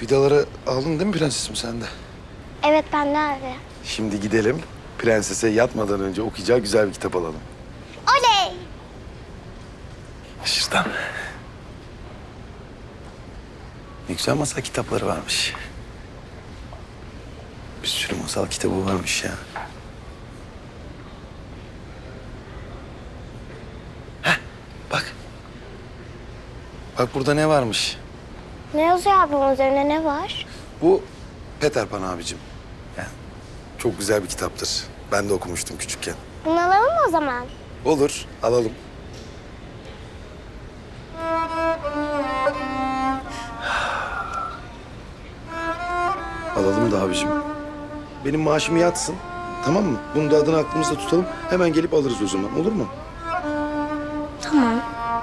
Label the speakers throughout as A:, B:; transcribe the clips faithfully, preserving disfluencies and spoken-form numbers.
A: Vidaları aldın değil mi prensesim sen de?
B: Evet ben de abi.
A: Şimdi gidelim. Prensese yatmadan önce okuyacağı güzel bir kitap alalım.
B: Oley!
A: Şuradan. Ne güzel masal kitapları varmış. Bir sürü masal kitabı varmış ya. Heh, bak. Bak burada ne varmış?
B: Ne yazıyor abi bunun üzerine, ne var?
A: Bu Peter Pan abicim. Yani çok güzel bir kitaptır. Ben de okumuştum küçükken.
B: Bunu alalım mı o zaman?
A: Olur, alalım. Alalım da abicim. Benim maaşım yatsın. Tamam mı? Bunun da adını aklımızda tutalım. Hemen gelip alırız o zaman. Olur mu?
B: Tamam.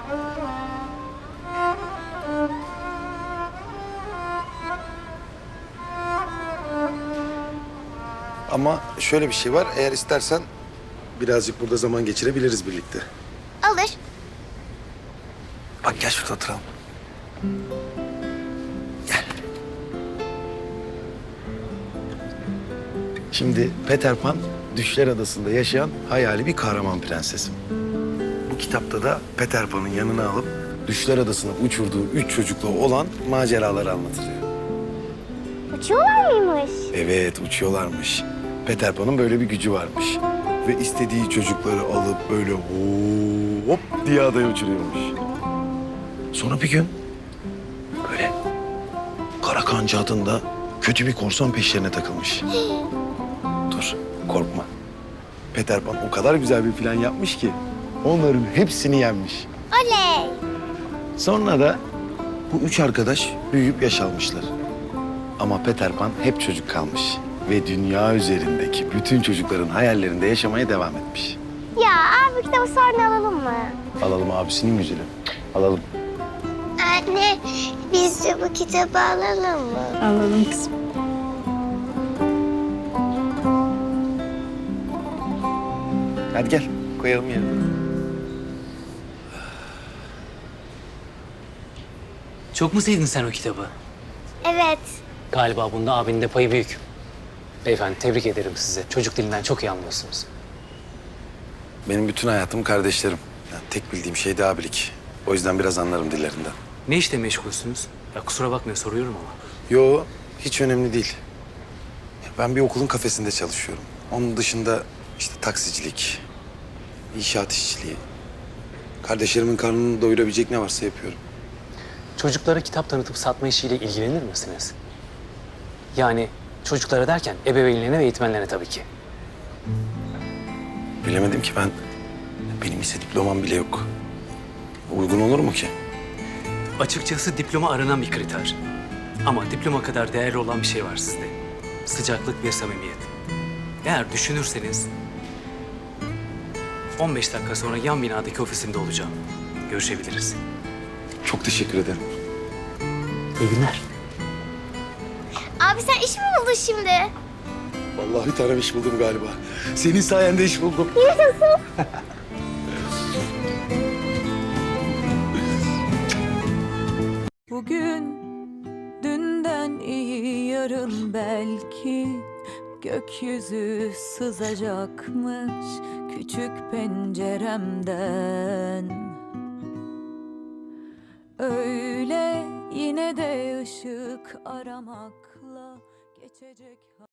A: Ama şöyle bir şey var. Eğer istersen birazcık burada zaman geçirebiliriz birlikte.
B: Alır.
A: Bak gel şurada oturalım. Gel. Şimdi Peter Pan Düşler Adası'nda yaşayan hayali bir kahraman prensesim. Bu kitapta da Peter Pan'ın yanına alıp Düşler Adası'na uçurduğu üç çocuklu olan maceraları anlatılıyor.
B: Uçuyorlar mıymış?
A: Evet, uçuyorlarmış. Peter Pan'ın böyle bir gücü varmış. Ve istediği çocukları alıp böyle hop diye adaya uçuruyormuş. Sonra bir gün böyle Kara Kancı adında kötü bir korsan peşlerine takılmış. Dur, korkma. Peter Pan o kadar güzel bir plan yapmış ki onların hepsini yenmiş.
B: Oley!
A: Sonra da bu üç arkadaş büyüyüp yaş almışlar. Ama Peter Pan hep çocuk kalmış. Ve dünya üzerindeki bütün çocukların hayallerinde yaşamaya devam etmiş.
B: Ya abi kitabı sonra alalım mı?
A: Alalım abisinin güzeli. Alalım.
B: Anne biz de bu kitabı alalım mı?
C: Alalım kızım.
A: Hadi gel koyalım yerine.
D: Çok mu sevdin sen o kitabı?
B: Evet.
D: Galiba bunda abinin de payı büyük. Beyefendi tebrik ederim size. Çocuk dilinden çok iyi anlıyorsunuz.
A: Benim bütün hayatım kardeşlerim. Yani tek bildiğim şey de abilik. O yüzden biraz anlarım dillerinden.
D: Ne işle meşgulsünüz? Ya kusura bakmayın soruyorum ama.
A: Yo, hiç önemli değil. Ben bir okulun kafesinde çalışıyorum. Onun dışında işte taksicilik, inşaat işçiliği. Kardeşlerimin karnını doyurabilecek ne varsa yapıyorum.
D: Çocuklara kitap tanıtıp satma işiyle ilgilenir misiniz? Yani çocuklara derken ebeveynlerine ve eğitmenlerine tabii ki.
A: Bilemedim ki ben. Benim ise diplomam bile yok. Uygun olur mu ki?
D: Açıkçası diploma aranan bir kriter. Ama diploma kadar değerli olan bir şey var sizde. Sıcaklık ve samimiyet. Eğer düşünürseniz on beş dakika sonra yan binadaki ofisimde olacağım. Görüşebiliriz.
A: Çok teşekkür ederim.
D: İyi günler.
B: Abi sen iş mi buldun şimdi?
A: Vallahi bir tane iş buldum galiba. Senin sayende iş buldum.
B: Yaşasın.
C: Bugün dünden iyi yarın belki gökyüzü sızacakmış küçük penceremden. Öyle yine de ışık aramakla geçecek.